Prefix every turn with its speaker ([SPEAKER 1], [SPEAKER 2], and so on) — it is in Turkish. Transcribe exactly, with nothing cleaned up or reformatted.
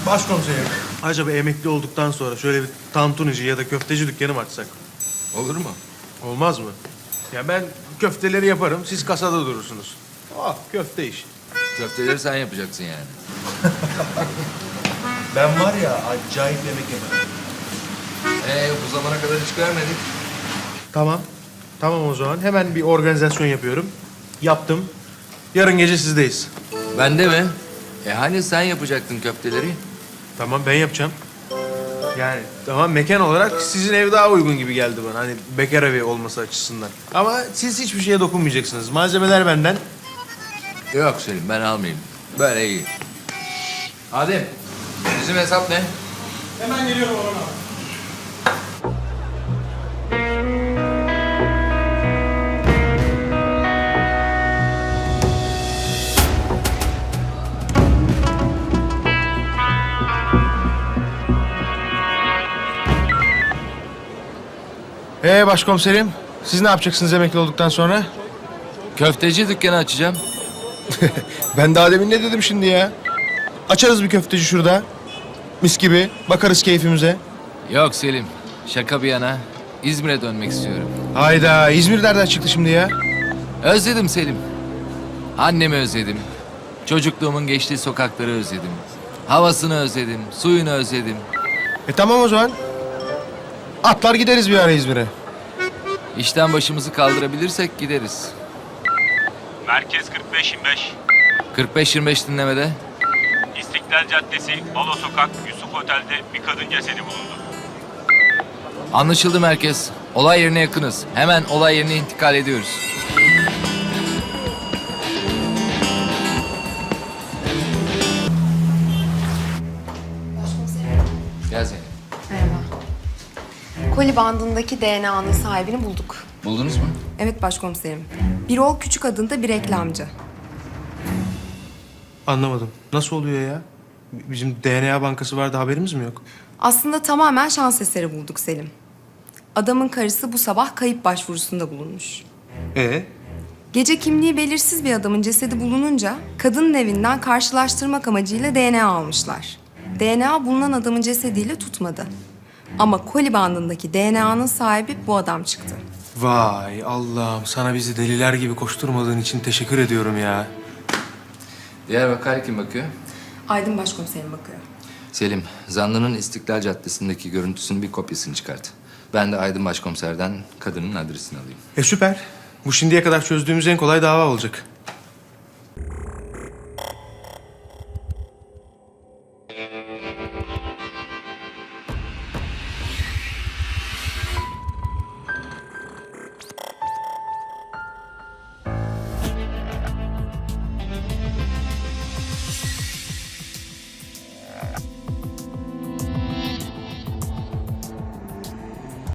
[SPEAKER 1] Başkomiserim, acaba emekli olduktan sonra şöyle bir tantunici ya da köfteci dükkanı mı açsak?
[SPEAKER 2] Olur mu?
[SPEAKER 1] Olmaz mı? Ya ben köfteleri yaparım, siz kasada durursunuz. Ah, köfte iş.
[SPEAKER 2] Köfteleri sen yapacaksın yani.
[SPEAKER 3] Ben var ya acayip yemek yemem.
[SPEAKER 2] Ee, bu zamana kadar hiç görmedik.
[SPEAKER 1] Tamam. Tamam o zaman. Hemen bir organizasyon yapıyorum. Yaptım. Yarın gece sizdeyiz.
[SPEAKER 2] Ben de mi? E hani sen yapacaktın köfteleri?
[SPEAKER 1] Tamam, ben yapacağım. Yani tamam, mekan olarak sizin ev daha uygun gibi geldi bana. Hani bekar evi olması açısından. Ama siz hiçbir şeye dokunmayacaksınız. Malzemeler benden.
[SPEAKER 2] Yok Selim, ben almayayım. Böyle iyi. Adem, bizim hesap ne?
[SPEAKER 4] Hemen geliyorum Orhan abi.
[SPEAKER 1] Ee başkomiserim, siz ne yapacaksınız emekli olduktan sonra?
[SPEAKER 2] Köfteci dükkanı açacağım.
[SPEAKER 1] Ben daha demin ne dedim şimdi ya? Açarız bir köfteci şurada. Mis gibi. Bakarız keyfimize.
[SPEAKER 2] Yok Selim, şaka bir yana. İzmir'e dönmek istiyorum.
[SPEAKER 1] Hayda, İzmir nereden çıktı şimdi ya?
[SPEAKER 2] Özledim Selim. Annemi özledim. Çocukluğumun geçtiği sokakları özledim. Havasını özledim, suyunu özledim.
[SPEAKER 1] E tamam o zaman. Atlar gideriz bir ara İzmir'e.
[SPEAKER 2] İşten başımızı kaldırabilirsek gideriz.
[SPEAKER 5] Merkez kırk beş yirmi beş.
[SPEAKER 2] kırk beş yirmi beş dinlemede.
[SPEAKER 5] İstiklal Caddesi, Balo Sokak, Yusuf Otel'de bir kadın cesedi bulundu.
[SPEAKER 2] Anlaşıldı merkez. Olay yerine yakınız. Hemen olay yerine intikal ediyoruz. Gel Zeynep.
[SPEAKER 6] Merhaba. Koli bandındaki D N A'nın sahibini bulduk.
[SPEAKER 2] Buldunuz mu?
[SPEAKER 6] Evet başkomiserim. Birol Küçük adında bir reklamcı.
[SPEAKER 1] Anlamadım. Nasıl oluyor ya? Bizim D N A bankası vardı, haberimiz mi yok?
[SPEAKER 6] Aslında tamamen şans eseri bulduk Selim. Adamın karısı bu sabah kayıp başvurusunda bulunmuş.
[SPEAKER 1] Ee?
[SPEAKER 6] Gece kimliği belirsiz bir adamın cesedi bulununca kadının evinden karşılaştırmak amacıyla D N A almışlar. D N A bulunan adamın cesediyle tutmadı. Ama koli bandındaki D N A'nın sahibi bu adam çıktı.
[SPEAKER 1] Vay Allah'ım, sana bizi deliler gibi koşturmadığın için teşekkür ediyorum ya.
[SPEAKER 2] Diğer vakaya kim bakıyor?
[SPEAKER 6] Aydın başkomiserim bakıyor.
[SPEAKER 2] Selim, zanlının İstiklal Caddesi'ndeki görüntüsünün bir kopyasını çıkart. Ben de Aydın Başkomiser'den kadının adresini alayım.
[SPEAKER 1] E süper. Bu şimdiye kadar çözdüğümüz en kolay dava olacak.